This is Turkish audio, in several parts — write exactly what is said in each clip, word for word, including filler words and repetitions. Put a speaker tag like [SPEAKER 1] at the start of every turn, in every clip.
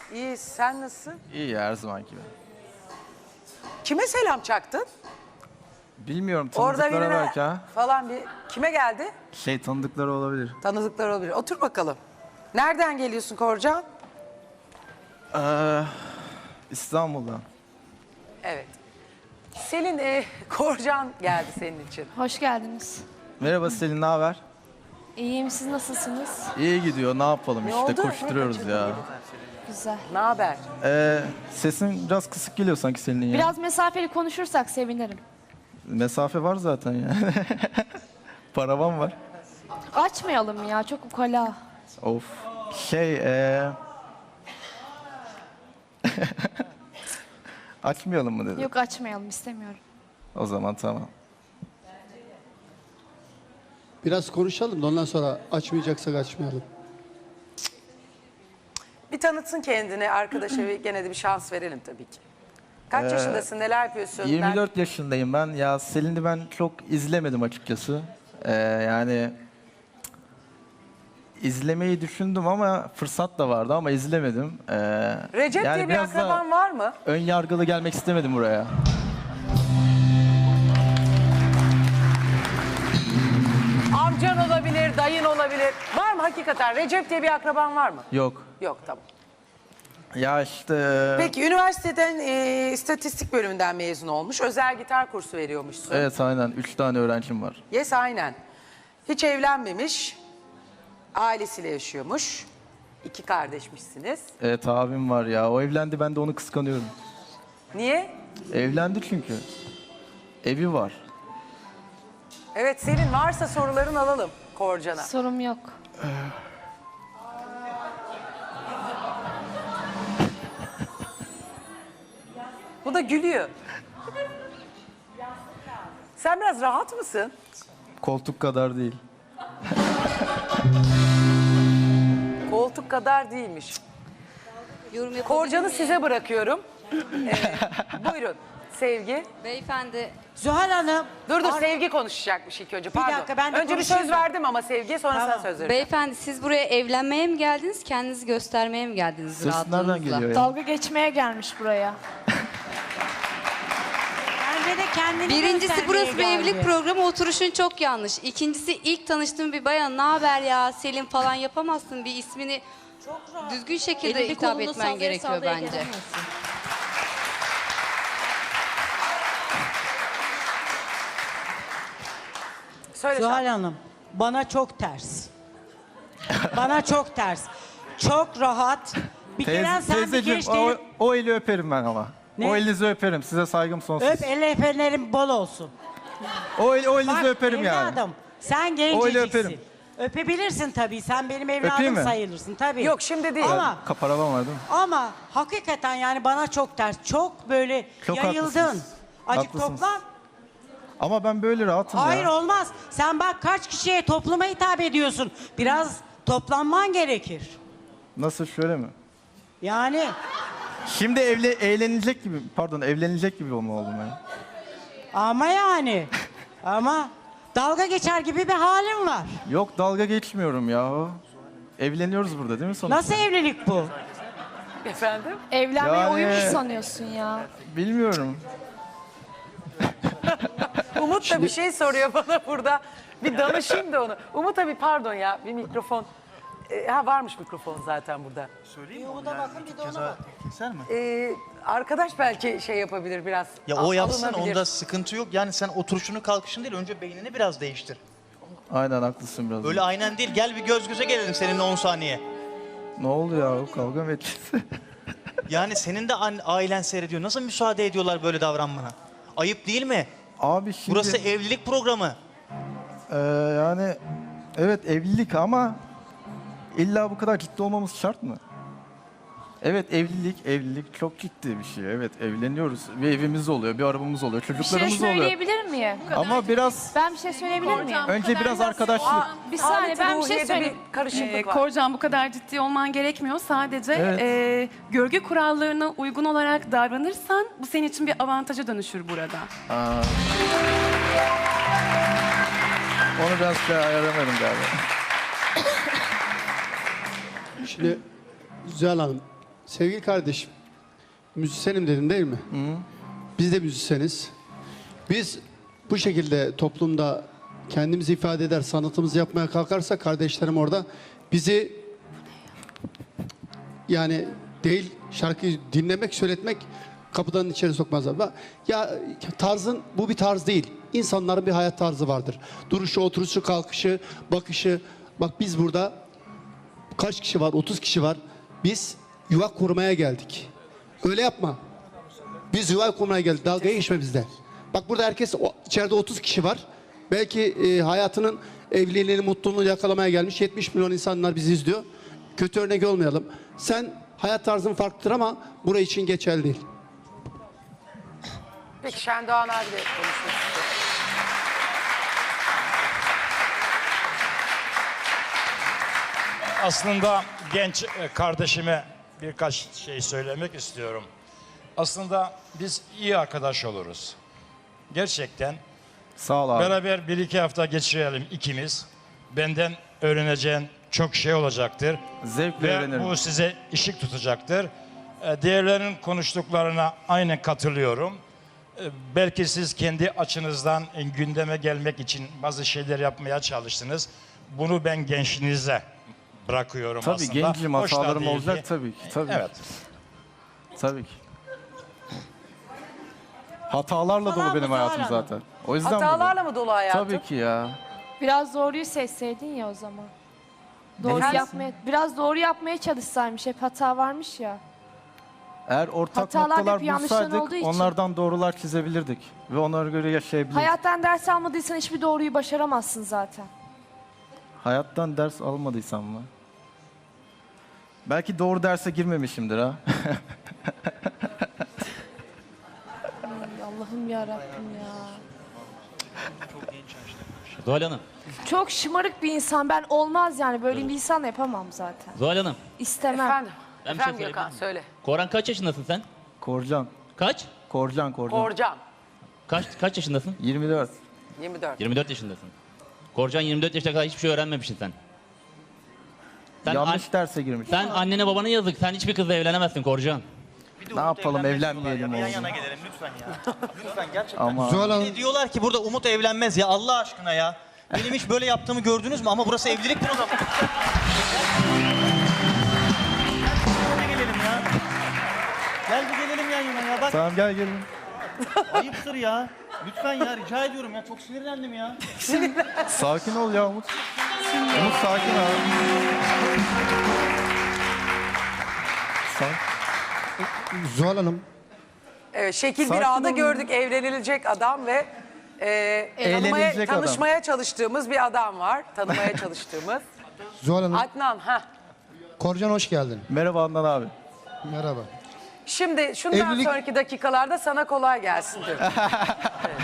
[SPEAKER 1] İyi, sen nasılsın?
[SPEAKER 2] İyi ya, her zaman gibi.
[SPEAKER 1] Kime selam çaktın?
[SPEAKER 2] Bilmiyorum,
[SPEAKER 1] Orada
[SPEAKER 2] tanıdıklara
[SPEAKER 1] birine
[SPEAKER 2] belki ha.
[SPEAKER 1] falan bir... Kime geldi?
[SPEAKER 2] Şey, tanıdıkları olabilir.
[SPEAKER 1] Tanıdıklar olabilir. Otur bakalım. Nereden geliyorsun Korcan?
[SPEAKER 2] Ee, İstanbul'dan.
[SPEAKER 1] Evet. Selin, e, Korcan geldi senin için.
[SPEAKER 3] Hoş geldiniz.
[SPEAKER 2] Merhaba Selin, ne haber?
[SPEAKER 3] İyiyim, siz nasılsınız?
[SPEAKER 2] İyi gidiyor, ne yapalım
[SPEAKER 1] Ne
[SPEAKER 2] işte,
[SPEAKER 1] oldu?
[SPEAKER 2] koşturuyoruz
[SPEAKER 1] Ne
[SPEAKER 2] ya.
[SPEAKER 3] Güzel.
[SPEAKER 1] Ne haber?
[SPEAKER 2] Ee, sesin biraz kısık geliyor sanki Selin'in ya.
[SPEAKER 3] Biraz mesafeli konuşursak sevinirim.
[SPEAKER 2] Mesafe var zaten ya. Paravan var.
[SPEAKER 3] Açmayalım ya, çok ukala.
[SPEAKER 2] Of. Şey, ee... açmayalım mı dedi.
[SPEAKER 3] Yok, açmayalım, istemiyorum.
[SPEAKER 2] O zaman tamam.
[SPEAKER 4] Biraz konuşalım da ondan sonra açmayacaksak açmayalım.
[SPEAKER 1] Bir tanıtsın kendini arkadaşa ve gene de bir şans verelim tabii ki. Kaç
[SPEAKER 2] Ee,
[SPEAKER 1] yaşındasın, neler yapıyorsun?
[SPEAKER 2] yirmi dört yaşındayım ben. Ya Selin'i ben çok izlemedim açıkçası. Ee, yani izlemeyi düşündüm ama fırsat da vardı ama izlemedim. Ee,
[SPEAKER 1] Recep
[SPEAKER 2] yani
[SPEAKER 1] diye bir
[SPEAKER 2] biraz da
[SPEAKER 1] akraban var mı?
[SPEAKER 2] ön yargılı gelmek istemedim buraya.
[SPEAKER 1] Amcan olabilir, dayın olabilir. Var mı hakikaten? Recep diye bir akraban var mı?
[SPEAKER 2] Yok.
[SPEAKER 1] Yok, tamam.
[SPEAKER 2] Ya işte...
[SPEAKER 1] Peki üniversiteden e, istatistik bölümünden mezun olmuş. Özel gitar kursu veriyormuşsun.
[SPEAKER 2] Evet, aynen. Üç tane öğrencim var.
[SPEAKER 1] Yes, aynen. Hiç evlenmemiş. Ailesiyle yaşıyormuş. İki kardeşmişsiniz.
[SPEAKER 2] Evet, abim var ya. O evlendi, ben de onu kıskanıyorum.
[SPEAKER 1] Niye?
[SPEAKER 2] Evlendi çünkü. Evi var.
[SPEAKER 1] Evet, senin varsa soruların alalım Korcan'a.
[SPEAKER 3] Sorum yok.
[SPEAKER 1] Bu da gülüyor. Sen biraz rahat mısın?
[SPEAKER 2] Koltuk kadar değil.
[SPEAKER 1] Koltuk kadar değilmiş.
[SPEAKER 5] Yorum yapabilir
[SPEAKER 1] Korcan'ı
[SPEAKER 5] miyim?
[SPEAKER 1] size bırakıyorum. Ee, buyurun Sevgi.
[SPEAKER 5] Beyefendi,
[SPEAKER 6] Zuhal Hanım.
[SPEAKER 1] Dur dur
[SPEAKER 6] Ar-
[SPEAKER 1] Sevgi konuşacakmış ilk önce. Pardon.
[SPEAKER 6] dakika, ben de
[SPEAKER 1] önce bir
[SPEAKER 6] konuşayım
[SPEAKER 1] söz
[SPEAKER 6] da.
[SPEAKER 1] verdim ama Sevgi'ye sonra
[SPEAKER 6] Tamam.
[SPEAKER 1] sana söz vereceğim.
[SPEAKER 5] beyefendi siz buraya evlenmeye mi geldiniz, kendinizi göstermeye mi geldiniz
[SPEAKER 2] Ses nereden
[SPEAKER 5] rahatlığınızla?
[SPEAKER 2] geliyor ya?
[SPEAKER 3] Dalga geçmeye gelmiş buraya.
[SPEAKER 6] Bence de kendini
[SPEAKER 5] Birincisi
[SPEAKER 6] göstermeye
[SPEAKER 5] burası bir
[SPEAKER 6] geldi.
[SPEAKER 5] evlilik programı, oturuşun çok yanlış. İkincisi ilk tanıştığım bir bayan, ne haber ya Selin falan yapamazsın, bir ismini düzgün şekilde
[SPEAKER 7] Elini
[SPEAKER 5] hitap
[SPEAKER 7] kolunu
[SPEAKER 5] etmen
[SPEAKER 7] sallaya
[SPEAKER 5] gerekiyor
[SPEAKER 7] sallaya
[SPEAKER 5] bence.
[SPEAKER 7] gelemezsin.
[SPEAKER 1] Söyle
[SPEAKER 6] Zuhal
[SPEAKER 1] sen.
[SPEAKER 6] Hanım, bana çok ters. Bana çok ters. Çok rahat. Bir kere
[SPEAKER 2] Teyze,
[SPEAKER 6] sen bir
[SPEAKER 2] teyzeciğim,
[SPEAKER 6] geç
[SPEAKER 2] o,
[SPEAKER 6] değil.
[SPEAKER 2] o eli öperim ben ama.
[SPEAKER 6] Ne?
[SPEAKER 2] O elinizi öperim. Size saygım sonsuz.
[SPEAKER 6] Öp, el efenlerin bol olsun.
[SPEAKER 2] O, el, o elinizi
[SPEAKER 6] Bak
[SPEAKER 2] öperim yani.
[SPEAKER 6] evladım, sen
[SPEAKER 2] Öyle
[SPEAKER 6] genceciksin.
[SPEAKER 2] öperim.
[SPEAKER 6] Öpebilirsin tabii. Sen benim
[SPEAKER 2] Öpeyim
[SPEAKER 6] evladım
[SPEAKER 2] mi?
[SPEAKER 6] sayılırsın tabii.
[SPEAKER 1] Yok şimdi değil.
[SPEAKER 6] Ama
[SPEAKER 2] Kaparavan var değil mi?
[SPEAKER 6] ama hakikaten yani bana çok ters. Çok böyle
[SPEAKER 2] Çok
[SPEAKER 6] yayıldın.
[SPEAKER 2] haklısınız.
[SPEAKER 6] Acık
[SPEAKER 2] Haklısınız.
[SPEAKER 6] toplan.
[SPEAKER 2] Ama ben böyle rahatım
[SPEAKER 6] Hayır
[SPEAKER 2] ya.
[SPEAKER 6] olmaz. Sen bak kaç kişiye topluma hitap ediyorsun. Biraz toplanman gerekir.
[SPEAKER 2] Nasıl, şöyle mi?
[SPEAKER 6] Yani
[SPEAKER 2] Şimdi evle, eğlenilecek gibi, pardon evlenilecek gibi olma oldum ben.
[SPEAKER 6] ama yani ama dalga geçer gibi bir halim var.
[SPEAKER 2] Yok, dalga geçmiyorum ya. Evleniyoruz burada değil mi sonuçta?
[SPEAKER 6] Nasıl evlilik bu?
[SPEAKER 1] Efendim?
[SPEAKER 3] Evlenmeyi
[SPEAKER 2] Yani-
[SPEAKER 3] oyun mu sanıyorsun ya?
[SPEAKER 2] Bilmiyorum.
[SPEAKER 1] Umut da bir şey soruyor bana burada. Bir danışayım da onu. Umut abi pardon ya bir mikrofon. Ee, ha varmış mikrofon zaten burada.
[SPEAKER 8] Keser mi?
[SPEAKER 1] Ee, arkadaş belki şey yapabilir biraz.
[SPEAKER 8] Ya
[SPEAKER 1] a-
[SPEAKER 8] o yapsın,
[SPEAKER 1] alınabilir.
[SPEAKER 8] onda sıkıntı yok. Yani sen oturuşunu kalkışın değil, önce beynini biraz değiştir.
[SPEAKER 2] Aynen, haklısın biraz.
[SPEAKER 8] Öyle aynen değil, gel bir göz göze gelelim seninle on saniye.
[SPEAKER 2] Ne oldu ya, o kavga mı edeceğiz?
[SPEAKER 8] Yani senin de an- ailen seyrediyor. Nasıl müsaade ediyorlar böyle davranmana? Ayıp değil mi?
[SPEAKER 2] Abi şimdi...
[SPEAKER 8] Burası evlilik programı.
[SPEAKER 2] Ee, yani evet evlilik ama illa bu kadar ciddi olmamız şart mı? Evet, evlilik evlilik çok ciddi bir şey. Evet, evleniyoruz. Bir evimiz oluyor, bir arabamız oluyor,
[SPEAKER 3] Bir şey
[SPEAKER 2] çocuklarımız oluyor.
[SPEAKER 3] söyleyebilir miyim?
[SPEAKER 2] Ama biraz
[SPEAKER 3] Ben bir şey söyleyebilir miyim?
[SPEAKER 2] önce biraz arkadaşlık.
[SPEAKER 3] Bir saniye,
[SPEAKER 1] Adeti
[SPEAKER 3] ben bir şey
[SPEAKER 1] ruhiyede
[SPEAKER 3] söyleyeyim.
[SPEAKER 1] bir karışıklık
[SPEAKER 7] Ee,
[SPEAKER 1] var.
[SPEAKER 7] Korcan, bu kadar ciddi olman gerekmiyor. Sadece
[SPEAKER 2] Evet.
[SPEAKER 7] e, görgü kurallarına uygun olarak davranırsan bu senin için bir avantaja dönüşür burada.
[SPEAKER 2] Aa. Onu biraz şey ayarlamadım galiba.
[SPEAKER 4] Şimdi Zuhal Hanım, Sevgili kardeşim, müzisyenim dedin değil mi? Biz de müzisyeniz. Biz bu şekilde toplumda kendimizi ifade eder, sanatımızı yapmaya kalkarsak kardeşlerim orada bizi yani değil şarkıyı dinlemek, söyletmek kapıdan içeri sokmazlar. Bak, ya tarzın bu bir tarz değil. İnsanların bir hayat tarzı vardır. Duruşu, oturuşu, kalkışı, bakışı. Bak biz burada kaç kişi var? otuz kişi var. Biz yuva kurmaya geldik. Öyle yapma. Biz yuva kurmaya geldik. Dalgaya geçme bizde. Bak burada herkes o- içeride otuz kişi var. Belki e, hayatının evliliğini, mutluluğunu yakalamaya gelmiş yetmiş milyon insanlar bizi izliyor. Kötü örnek olmayalım. Sen hayat tarzın farklıdır ama buraya için geçerli değil.
[SPEAKER 1] Peki Şendoğan abi de konuşmak istiyor.
[SPEAKER 9] Aslında genç e, kardeşime birkaç şey söylemek istiyorum. Aslında biz iyi arkadaş oluruz. Gerçekten
[SPEAKER 2] Sağ ol abi.
[SPEAKER 9] beraber bir iki hafta geçirelim ikimiz. Benden öğreneceğin çok şey olacaktır.
[SPEAKER 2] Zevkle
[SPEAKER 9] Ve
[SPEAKER 2] öğrenirim.
[SPEAKER 9] bu size ışık tutacaktır. E, Diğerlerinin konuştuklarına aynen katılıyorum. E, Belki siz kendi açınızdan e, gündeme gelmek için bazı şeyler yapmaya çalıştınız. Bunu ben gençliğinize bırakıyorum
[SPEAKER 2] Tabii
[SPEAKER 9] aslında.
[SPEAKER 2] gencim,
[SPEAKER 9] Hoş da
[SPEAKER 2] hatalarım
[SPEAKER 9] değil
[SPEAKER 2] olacak
[SPEAKER 9] ki.
[SPEAKER 2] tabii ki. Tabii.
[SPEAKER 9] Evet.
[SPEAKER 2] Tabii ki. Hatalarla dolu benim hayatım zaten. O yüzden
[SPEAKER 1] Hatalarla mı dolu hayatım?
[SPEAKER 2] Tabii ki ya.
[SPEAKER 3] Biraz doğruyu seçseydin ya o zaman. Doğru
[SPEAKER 1] Efendim?
[SPEAKER 3] yapmaya, biraz doğru yapmaya çalışsaymış. Hep hata varmış ya.
[SPEAKER 2] Eğer ortak
[SPEAKER 3] Hatalar hep
[SPEAKER 2] noktalar
[SPEAKER 3] yanlışların
[SPEAKER 2] bulsaydık
[SPEAKER 3] olduğu için.
[SPEAKER 2] onlardan doğrular çizebilirdik. Ve onlara göre yaşayabilirdik.
[SPEAKER 3] Hayattan ders almadıysan hiçbir doğruyu başaramazsın zaten.
[SPEAKER 2] Hayattan ders almadıysam mı? Belki doğru derse girmemişimdir ha.
[SPEAKER 3] Ay, Allah'ım ya Rabbim ya.
[SPEAKER 10] Zuhal Hanım,
[SPEAKER 3] Çok şımarık bir insan. Ben olmaz yani. Böyle bir insan yapamam zaten.
[SPEAKER 10] Zuhal Hanım.
[SPEAKER 3] İstemem.
[SPEAKER 1] Efendim,
[SPEAKER 10] Ben bir şey
[SPEAKER 1] efendim
[SPEAKER 10] söyleyebilir
[SPEAKER 1] Gökhan
[SPEAKER 10] miyim?
[SPEAKER 1] söyle.
[SPEAKER 10] Koran kaç yaşındasın sen?
[SPEAKER 2] Korcan.
[SPEAKER 10] Kaç?
[SPEAKER 2] Korcan, Korcan.
[SPEAKER 1] Korcan
[SPEAKER 10] Kaç kaç yaşındasın?
[SPEAKER 2] yirmi dört.
[SPEAKER 1] yirmi dört.
[SPEAKER 10] yirmi dört yaşındasın. Korcan yirmi dört yaşına kadar hiçbir şey öğrenmemişsin sen. Sen,
[SPEAKER 2] Yanlış
[SPEAKER 10] an-
[SPEAKER 2] derse girmiş.
[SPEAKER 10] sen annene babana yazık. Sen hiçbir kızla evlenemezsin Korcan.
[SPEAKER 8] Bir de
[SPEAKER 2] Ne
[SPEAKER 8] Umut
[SPEAKER 2] yapalım,
[SPEAKER 8] evlenmez
[SPEAKER 2] evlenmeyelim
[SPEAKER 8] diyorlar ya. Bir
[SPEAKER 2] oğlum.
[SPEAKER 8] Yan yana gelelim lütfen ya. Lütfen gerçekten.
[SPEAKER 2] Ama
[SPEAKER 4] Zuhal Hanım,
[SPEAKER 8] Bir de diyorlar ki burada Umut evlenmez ya Allah aşkına ya. Benim hiç böyle yaptığımı gördünüz mü? Ama burası evliliktir o zaman. Gel bir gelelim ya. Gel bir gelelim yan yana ya. Bak
[SPEAKER 2] tamam gel gelin.
[SPEAKER 8] ayıptır ya. Lütfen ya rica ediyorum ya. Çok sinirlendim ya.
[SPEAKER 2] Sakin ol ya Umut. Umut sakin abi. Sakin.
[SPEAKER 4] Zuhal Hanım,
[SPEAKER 1] Evet, şekil
[SPEAKER 2] Sakin
[SPEAKER 1] bir ağda
[SPEAKER 2] olun.
[SPEAKER 1] gördük evlenilecek adam ve e, tanımaya,
[SPEAKER 2] Eğlenilecek adam.
[SPEAKER 1] tanışmaya çalıştığımız bir adam var. Tanımaya çalıştığımız.
[SPEAKER 4] Zuhal Hanım,
[SPEAKER 1] Adnan, ha.
[SPEAKER 4] Korcan hoş geldin.
[SPEAKER 2] Merhaba Adnan abi.
[SPEAKER 4] Merhaba.
[SPEAKER 1] Şimdi şundan
[SPEAKER 4] Evlilik-
[SPEAKER 1] sonraki dakikalarda sana kolay gelsin diyorum. Evet.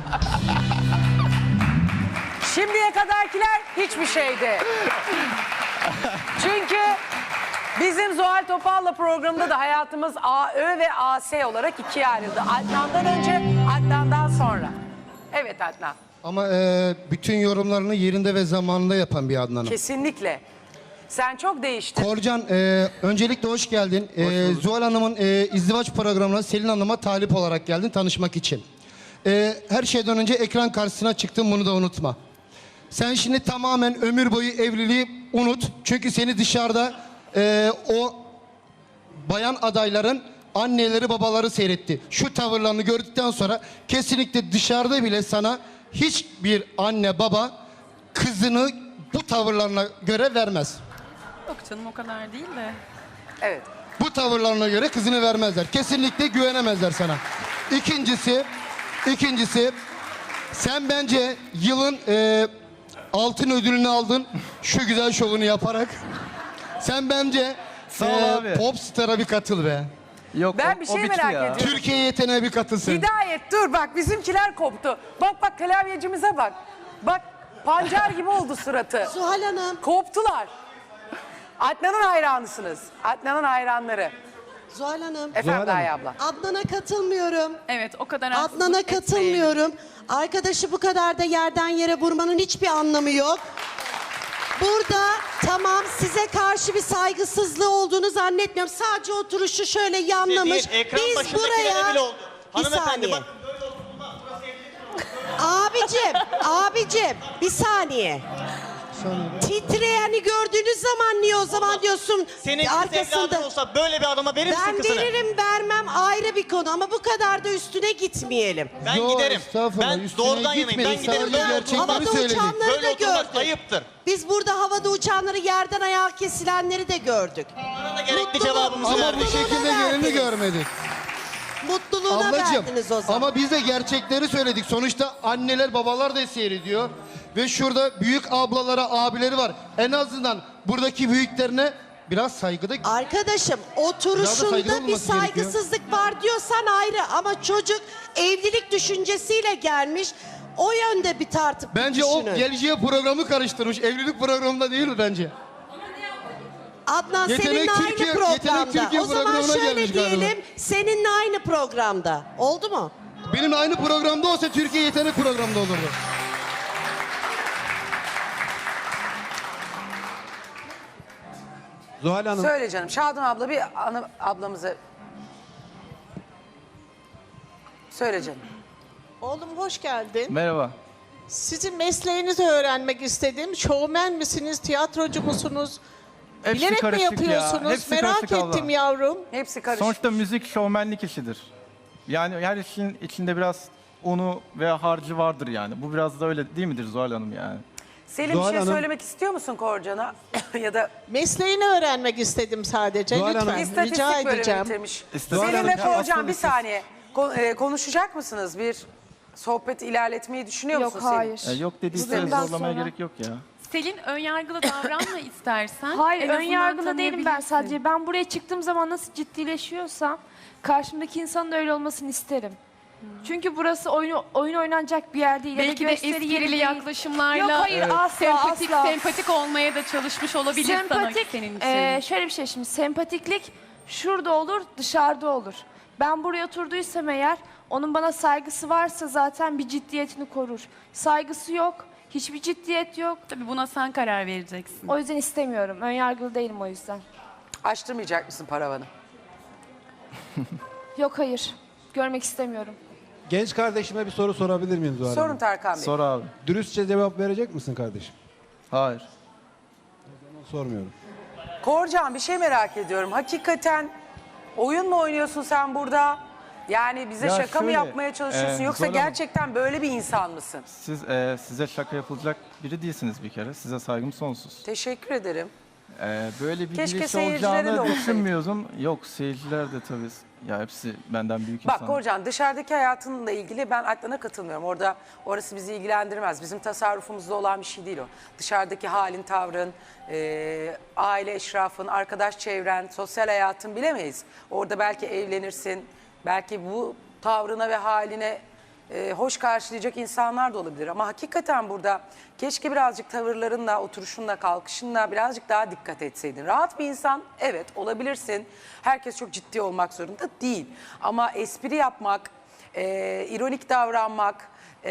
[SPEAKER 1] Şimdiye kadarkiler hiçbir şeydi. Çünkü bizim Zuhal Topal'la programda da hayatımız A Ö ve A S olarak ikiye ayrıldı. Adnan'dan önce, Adnan'dan sonra. Evet Adnan,
[SPEAKER 4] Ama e, bütün yorumlarını yerinde ve zamanında yapan bir Adnan'ım.
[SPEAKER 1] kesinlikle. Sen çok değiştin.
[SPEAKER 4] Korcan, e, öncelikle hoş geldin. E, Zuhal Hanım'ın e, izdivaç programına Selin Hanım'a talip olarak geldin tanışmak için. E, her şeyden önce ekran karşısına çıktın, bunu da unutma. Sen şimdi tamamen ömür boyu evliliği unut. Çünkü seni dışarıda e, o bayan adayların anneleri babaları seyretti. Şu tavırlarını gördükten sonra kesinlikle dışarıda bile sana hiçbir anne baba kızını bu tavırlarına göre vermez.
[SPEAKER 7] Yok canım o kadar değil de.
[SPEAKER 1] Evet.
[SPEAKER 4] Bu tavırlarına göre kızını vermezler. Kesinlikle güvenemezler sana. İkincisi, ikincisi sen bence yılın e, altın ödülünü aldın şu güzel şovunu yaparak. Sen bence
[SPEAKER 2] Sağ ol abi.
[SPEAKER 4] Popstar'a bir katıl be.
[SPEAKER 2] Yok
[SPEAKER 1] Ben
[SPEAKER 2] o-
[SPEAKER 1] bir
[SPEAKER 2] o
[SPEAKER 1] şey
[SPEAKER 2] bitti
[SPEAKER 1] merak
[SPEAKER 2] ya.
[SPEAKER 1] ediyorum.
[SPEAKER 4] Türkiye yeteneğe bir katılsın.
[SPEAKER 1] Hidayet dur bak bizimkiler koptu. Bak bak klavyecimize bak. Bak pancar gibi oldu suratı.
[SPEAKER 6] Zuhal Hanım,
[SPEAKER 1] Koptular. Adnan'ın hayranısınız. Adnan'ın hayranları.
[SPEAKER 6] Zuhal Hanım.
[SPEAKER 1] Efendim Daya abla.
[SPEAKER 6] Adnan'a katılmıyorum.
[SPEAKER 7] Evet o kadar haksızlık
[SPEAKER 6] Adnan'a
[SPEAKER 7] etmeyin.
[SPEAKER 6] katılmıyorum. Arkadaşı bu kadar da yerden yere vurmanın hiçbir anlamı yok.
[SPEAKER 11] burada tamam size karşı bir saygısızlığı olduğunu zannetmiyorum. Sadece oturuşu şöyle yanlamış.
[SPEAKER 8] Değil, ekran
[SPEAKER 11] Biz
[SPEAKER 8] başındakilere
[SPEAKER 11] buraya
[SPEAKER 8] bile oldu.
[SPEAKER 11] bir
[SPEAKER 8] Hanımefendi
[SPEAKER 11] saniye.
[SPEAKER 8] bakın böyle oturma. Burası evlilik.
[SPEAKER 11] Abicim, abicim bir saniye. Titreyeni gördüğünüz zaman niye o zaman diyorsun
[SPEAKER 8] Senin kız evladın
[SPEAKER 11] arkasında?
[SPEAKER 8] olsa böyle bir adama verir misin
[SPEAKER 11] Ben
[SPEAKER 8] kızını?
[SPEAKER 11] veririm vermem ayrı bir konu ama bu kadar da üstüne gitmeyelim.
[SPEAKER 8] Ben
[SPEAKER 12] Yo,
[SPEAKER 8] giderim.
[SPEAKER 12] estağfurullah,
[SPEAKER 8] Ben
[SPEAKER 12] üstüne
[SPEAKER 8] doğrudan yanayım.
[SPEAKER 12] gitmedik.
[SPEAKER 8] Ben giderim.
[SPEAKER 12] Sadece
[SPEAKER 8] Böyle
[SPEAKER 12] gerçekleri
[SPEAKER 8] oturmam.
[SPEAKER 11] Havada
[SPEAKER 12] söyledik.
[SPEAKER 11] uçanları
[SPEAKER 8] Böyle
[SPEAKER 11] da
[SPEAKER 8] oturmak
[SPEAKER 11] gördük.
[SPEAKER 8] ayıptır.
[SPEAKER 11] Biz burada havada uçanları yerden ayağa kesilenleri de gördük.
[SPEAKER 8] Bana da gerekli
[SPEAKER 11] Mutluluğu-
[SPEAKER 8] cevabımızı
[SPEAKER 12] Ama
[SPEAKER 8] verdik.
[SPEAKER 12] bu şekilde
[SPEAKER 11] Mutluluğuna
[SPEAKER 12] geleni
[SPEAKER 11] verdiniz.
[SPEAKER 12] görmedik.
[SPEAKER 11] Mutluluğuna
[SPEAKER 12] Ablacığım
[SPEAKER 11] verdiniz o zaman.
[SPEAKER 12] ama biz de gerçekleri söyledik. Sonuçta anneler babalar da seyrediyor. Ve şurada büyük ablalara abileri var. En azından buradaki büyüklerine biraz saygıda...
[SPEAKER 11] Arkadaşım
[SPEAKER 12] Biraz da
[SPEAKER 11] oturuşunda
[SPEAKER 12] saygılı
[SPEAKER 11] bir
[SPEAKER 12] olması gerekiyor.
[SPEAKER 11] saygısızlık var diyorsan ayrı ama çocuk evlilik düşüncesiyle gelmiş. O yönde bir tartıp
[SPEAKER 12] Bence
[SPEAKER 11] düşünün.
[SPEAKER 12] o geleceğe programı karıştırmış. Evlilik programında değil bence.
[SPEAKER 11] Adnan
[SPEAKER 12] Yetenek
[SPEAKER 11] seninle
[SPEAKER 12] Türkiye-
[SPEAKER 11] aynı
[SPEAKER 12] Yetenek
[SPEAKER 11] programda.
[SPEAKER 12] Türkiye
[SPEAKER 11] O zaman
[SPEAKER 12] programına
[SPEAKER 11] şöyle
[SPEAKER 12] gelmiş galiba.
[SPEAKER 11] diyelim seninle aynı programda. Oldu mu?
[SPEAKER 12] Benim aynı programda olsa Türkiye Yetenek programda olurdu.
[SPEAKER 13] Zuhal Hanım,
[SPEAKER 1] Söyle canım. Şadan abla bir ana, ablamıza... Söyle canım.
[SPEAKER 14] Oğlum hoş geldin.
[SPEAKER 2] Merhaba.
[SPEAKER 14] Sizin mesleğinizi öğrenmek istedim. Şovmen misiniz, tiyatrocu musunuz?
[SPEAKER 2] Hepsi
[SPEAKER 14] Bilerek mi
[SPEAKER 2] karışık ya,
[SPEAKER 14] yapıyorsunuz?
[SPEAKER 2] hepsi
[SPEAKER 14] Merak
[SPEAKER 2] karışık abla.
[SPEAKER 14] ettim yavrum.
[SPEAKER 1] Hepsi karışık.
[SPEAKER 2] Sonuçta müzik şovmenlik işidir. Yani her işin içinde biraz unu ve harcı vardır yani. Bu biraz da öyle değil midir Zuhal Hanım yani?
[SPEAKER 1] Selim
[SPEAKER 13] Zuhal
[SPEAKER 1] bir şey
[SPEAKER 13] Hanım-
[SPEAKER 1] söylemek istiyor musun Korcan'a? Ya da
[SPEAKER 14] Mesleğini öğrenmek istedim sadece.
[SPEAKER 13] Zuhal
[SPEAKER 14] Lütfen
[SPEAKER 13] Hanım-
[SPEAKER 14] rica
[SPEAKER 1] istatistik bölümü
[SPEAKER 14] edeceğim.
[SPEAKER 1] bitirmiş.
[SPEAKER 2] İstatistik-
[SPEAKER 1] Selim ve
[SPEAKER 2] Ya
[SPEAKER 1] Korcan
[SPEAKER 2] aslında
[SPEAKER 1] bir
[SPEAKER 2] siz-
[SPEAKER 1] saniye. Ko- e, konuşacak mısınız? Bir sohbet ilerletmeyi düşünüyor
[SPEAKER 3] Yok
[SPEAKER 1] musun Selim?
[SPEAKER 3] hayır.
[SPEAKER 2] E, yok dediyseniz
[SPEAKER 3] Bugünden
[SPEAKER 2] zorlamaya
[SPEAKER 3] sonra.
[SPEAKER 2] gerek yok ya.
[SPEAKER 7] Selin önyargılı davranma istersen.
[SPEAKER 3] Hayır
[SPEAKER 7] En
[SPEAKER 3] ön
[SPEAKER 7] azından
[SPEAKER 3] yargılı değilim ben
[SPEAKER 7] tanıyabilirsin.
[SPEAKER 3] sadece. Ben buraya çıktığım zaman nasıl ciddileşiyorsam karşımdaki insanın da öyle olmasını isterim. Çünkü burası oyun oyun oynanacak bir yer değil. ya da
[SPEAKER 7] Belki de
[SPEAKER 3] gösteri yeri
[SPEAKER 7] esprili
[SPEAKER 3] değil.
[SPEAKER 7] yaklaşımlarla
[SPEAKER 3] Yok hayır asla
[SPEAKER 7] sempatik
[SPEAKER 3] asla.
[SPEAKER 7] sempatik olmaya da çalışmış olabilir sana
[SPEAKER 3] Sempatik,
[SPEAKER 7] senin için.
[SPEAKER 3] e, şöyle bir şey şimdi sempatiklik şurada olur dışarıda olur. Ben buraya oturduysam eğer onun bana saygısı varsa zaten bir ciddiyetini korur. Saygısı yok, hiçbir ciddiyet yok.
[SPEAKER 7] Tabii buna sen karar vereceksin.
[SPEAKER 3] O yüzden istemiyorum. Önyargılı değilim o yüzden.
[SPEAKER 1] Açtırmayacak mısın paravanı?
[SPEAKER 3] Yok hayır. Görmek istemiyorum.
[SPEAKER 13] genç kardeşime bir soru sorabilir miyim Zuhal
[SPEAKER 1] Sorun
[SPEAKER 13] Hanım?
[SPEAKER 1] Tarkan Bey.
[SPEAKER 2] Sor abi.
[SPEAKER 13] Dürüstçe cevap verecek misin kardeşim?
[SPEAKER 2] Hayır.
[SPEAKER 13] Sormuyorum.
[SPEAKER 1] Korcan bir şey merak ediyorum. Hakikaten oyun mu oynuyorsun sen burada? Yani bize
[SPEAKER 2] Ya
[SPEAKER 1] şaka mı
[SPEAKER 2] şöyle,
[SPEAKER 1] yapmaya çalışıyorsun
[SPEAKER 2] e,
[SPEAKER 1] yoksa
[SPEAKER 2] Zuhal Hanım-
[SPEAKER 1] gerçekten böyle bir insan mısın?
[SPEAKER 2] Siz e, size şaka yapılacak biri değilsiniz bir kere. Size saygım sonsuz.
[SPEAKER 1] Teşekkür ederim.
[SPEAKER 2] E, böyle bir
[SPEAKER 1] Keşke
[SPEAKER 2] giriş
[SPEAKER 1] seyircilere de
[SPEAKER 2] olacağını
[SPEAKER 1] olsaydı.
[SPEAKER 2] düşünmüyordum. Yok seyirciler de tabii. Ya hepsi benden büyük
[SPEAKER 1] Bak
[SPEAKER 2] insan.
[SPEAKER 1] Korcan dışarıdaki hayatınla ilgili ben Adnan'a katılmıyorum. Orada orası bizi ilgilendirmez. Bizim tasarrufumuzda olan bir şey değil o. Dışarıdaki halin, tavrın, e, aile eşrafın, arkadaş çevren, sosyal hayatın bilemeyiz. Orada belki evlenirsin, belki bu tavrına ve haline e, hoş karşılayacak insanlar da olabilir. Ama hakikaten burada keşke birazcık tavırlarınla, oturuşunla, kalkışınla birazcık daha dikkat etseydin. Rahat bir insan, evet olabilirsin. Herkes çok ciddi olmak zorunda değil. Ama espri yapmak, e, ironik davranmak e,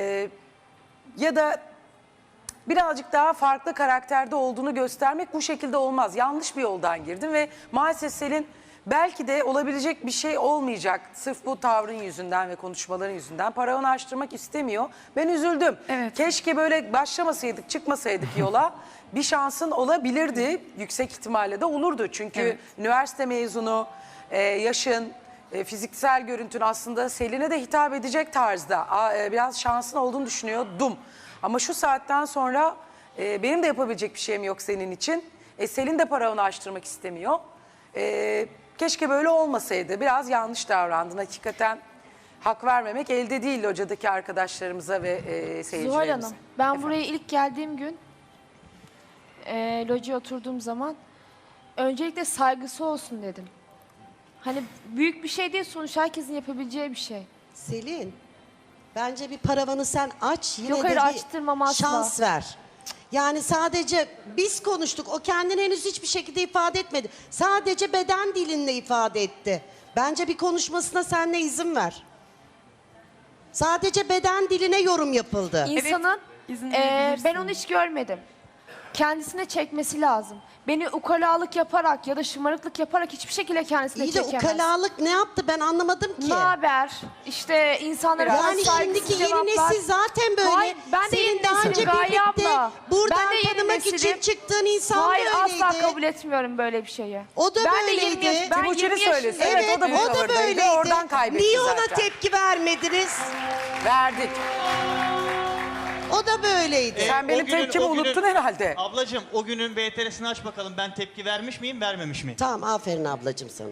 [SPEAKER 1] ya da birazcık daha farklı karakterde olduğunu göstermek bu şekilde olmaz. Yanlış bir yoldan girdin ve maalesef Selin belki de olabilecek bir şey olmayacak. Sırf bu tavrın yüzünden ve konuşmaların yüzünden paravanı açtırmak istemiyor. Ben üzüldüm.
[SPEAKER 7] Evet.
[SPEAKER 1] Keşke böyle başlamasaydık, çıkmasaydık yola. Bir şansın olabilirdi. Yüksek ihtimalle de olurdu. Çünkü
[SPEAKER 7] Evet.
[SPEAKER 1] üniversite mezunu, e, yaşın, e, fiziksel görüntün aslında Selin'e de hitap edecek tarzda. A, e, biraz şansın olduğunu düşünüyordum. Ama şu saatten sonra e, benim de yapabilecek bir şeyim yok senin için. E, Selin de paravanı açtırmak istemiyor. E, keşke böyle olmasaydı. Biraz yanlış davrandın. Hakikaten hak vermemek elde değil locadaki arkadaşlarımıza ve e, seyircilerimize.
[SPEAKER 3] Zuhal Hanım, ben
[SPEAKER 1] Efendim?
[SPEAKER 3] buraya ilk geldiğim gün e, locaya oturduğum zaman öncelikle saygısı olsun dedim. Hani büyük bir şey değil sonuç herkesin yapabileceği bir şey.
[SPEAKER 11] Selin, bence bir paravanı sen aç yine
[SPEAKER 3] Yok,
[SPEAKER 11] de
[SPEAKER 3] hayır,
[SPEAKER 11] bir
[SPEAKER 3] açtırmam asla.
[SPEAKER 11] şans ver. Yani sadece biz konuştuk. O kendini henüz hiçbir şekilde ifade etmedi. Sadece beden dilinle ifade etti. Bence bir konuşmasına sen de izin ver. Sadece beden diline yorum yapıldı.
[SPEAKER 3] İnsanın
[SPEAKER 7] izin
[SPEAKER 3] e,
[SPEAKER 7] verebilirsin.
[SPEAKER 3] ben onu hiç görmedim. kendisine çekmesi lazım. Beni ukalalık yaparak ya da şımarıklık yaparak hiçbir şekilde kendisine
[SPEAKER 11] İyi de
[SPEAKER 3] çekemez.
[SPEAKER 11] ukalalık ne yaptı ben anlamadım ki.
[SPEAKER 3] Ne haber? İşte insanlara
[SPEAKER 11] Yani
[SPEAKER 3] biraz saygısız
[SPEAKER 11] şimdiki yeni
[SPEAKER 3] cevaplar.
[SPEAKER 11] nesil zaten böyle.
[SPEAKER 3] Hayır, ben de
[SPEAKER 11] Senin
[SPEAKER 3] yeni
[SPEAKER 11] daha
[SPEAKER 3] nesilim
[SPEAKER 11] önce
[SPEAKER 3] Gaye
[SPEAKER 11] birlikte
[SPEAKER 3] abla.
[SPEAKER 11] buradan
[SPEAKER 3] Ben de yeni
[SPEAKER 11] tanımak
[SPEAKER 3] nesilim.
[SPEAKER 11] için çıktığın insan
[SPEAKER 3] Hayır,
[SPEAKER 11] böyleydi.
[SPEAKER 3] asla kabul etmiyorum böyle bir şeyi.
[SPEAKER 11] O da
[SPEAKER 3] ben
[SPEAKER 11] böyleydi.
[SPEAKER 3] De yirmi yaş, ben
[SPEAKER 1] Timuçin'i
[SPEAKER 3] yirmi
[SPEAKER 1] söylesin.
[SPEAKER 3] yaşındayım.
[SPEAKER 1] Evet, o da bu
[SPEAKER 11] o da
[SPEAKER 1] tavırdaydı.
[SPEAKER 11] böyleydi.
[SPEAKER 1] Oradan kaybetti
[SPEAKER 11] Niye ona
[SPEAKER 1] zaten.
[SPEAKER 11] tepki vermediniz?
[SPEAKER 1] Verdik.
[SPEAKER 11] O da böyleydi.
[SPEAKER 1] Sen benim
[SPEAKER 8] O günün-
[SPEAKER 1] tepkimi
[SPEAKER 8] o günün-
[SPEAKER 1] unuttun herhalde.
[SPEAKER 8] Ablacığım o günün B T R'sini aç bakalım. Ben tepki vermiş miyim, vermemiş miyim?
[SPEAKER 11] Tamam aferin ablacığım sana.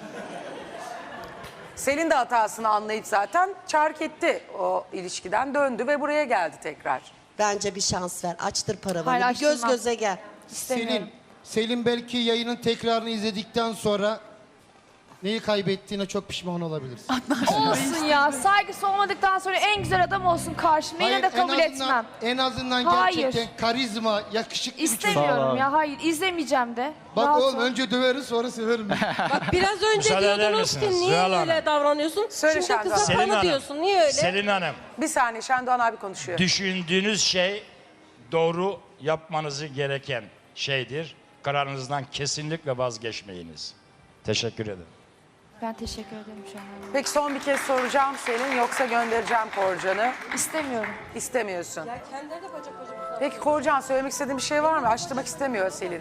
[SPEAKER 1] Selin de hatasını anlayıp zaten çark etti o ilişkiden, döndü ve buraya geldi tekrar.
[SPEAKER 11] Bence bir şans ver. Açtır paravanı.
[SPEAKER 3] Hayır,
[SPEAKER 11] Bir göz
[SPEAKER 3] açtırmam.
[SPEAKER 11] göze gel.
[SPEAKER 3] İstemiyorum.
[SPEAKER 12] Selin, Selin belki yayının tekrarını izledikten sonra neyi kaybettiğine çok pişman olabilirsin.
[SPEAKER 3] Olsun ya. Saygısı olmadıktan sonra en güzel adam olsun karşımda. Yine de
[SPEAKER 12] Hayır, en
[SPEAKER 3] kabul
[SPEAKER 12] azından-
[SPEAKER 3] etmem.
[SPEAKER 12] En azından
[SPEAKER 3] Hayır.
[SPEAKER 12] gerçekten karizma, yakışıklı bir çocuk.
[SPEAKER 3] İstemiyorum ya. Hayır. izlemeyeceğim de.
[SPEAKER 12] Bak
[SPEAKER 3] Rahat
[SPEAKER 12] oğlum
[SPEAKER 3] ol.
[SPEAKER 12] önce döveriz sonra severim.
[SPEAKER 15] Biraz önce
[SPEAKER 9] Müsaade eder
[SPEAKER 15] diyordunuz ki
[SPEAKER 9] misiniz?
[SPEAKER 15] niye
[SPEAKER 9] Zuhal Hanım.
[SPEAKER 15] öyle davranıyorsun?
[SPEAKER 1] Söyle
[SPEAKER 15] Şimdi
[SPEAKER 1] Şahzade.
[SPEAKER 15] kıza
[SPEAKER 9] Selin
[SPEAKER 15] bana
[SPEAKER 9] Hanım.
[SPEAKER 15] diyorsun. Niye öyle?
[SPEAKER 9] Selin Hanım,
[SPEAKER 1] Bir saniye, Şendoğan abi konuşuyor.
[SPEAKER 9] düşündüğünüz şey doğru yapmanızı gereken şeydir. Kararınızdan kesinlikle vazgeçmeyiniz. Teşekkür ederim.
[SPEAKER 3] Ben teşekkür ederim şu an.
[SPEAKER 1] Peki son bir kez soracağım Selin, yoksa göndereceğim Korcan'ı.
[SPEAKER 3] İstemiyorum.
[SPEAKER 1] İstemiyorsun.
[SPEAKER 15] Ya kendileri de bacak bacak.
[SPEAKER 1] Peki Korcan, söylemek istediğin bir şey var mı? Açtırmak istemiyor Selin.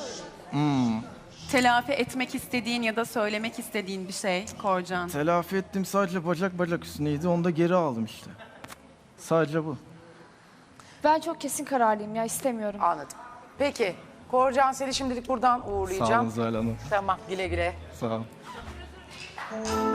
[SPEAKER 7] Telafi etmek istediğin ya da söylemek istediğin bir şey Korcan.
[SPEAKER 2] Telafi ettim, sadece bacak bacak üstüneydi. Onu da geri aldım işte. Sadece bu.
[SPEAKER 3] Ben çok kesin kararlıyım ya. istemiyorum.
[SPEAKER 1] Anladım. Peki Korcan, seni şimdilik buradan
[SPEAKER 2] Sağ olun
[SPEAKER 1] uğurlayacağım.
[SPEAKER 2] Zuhal Hanım.
[SPEAKER 1] Tamam, güle güle.
[SPEAKER 2] Sağ olun.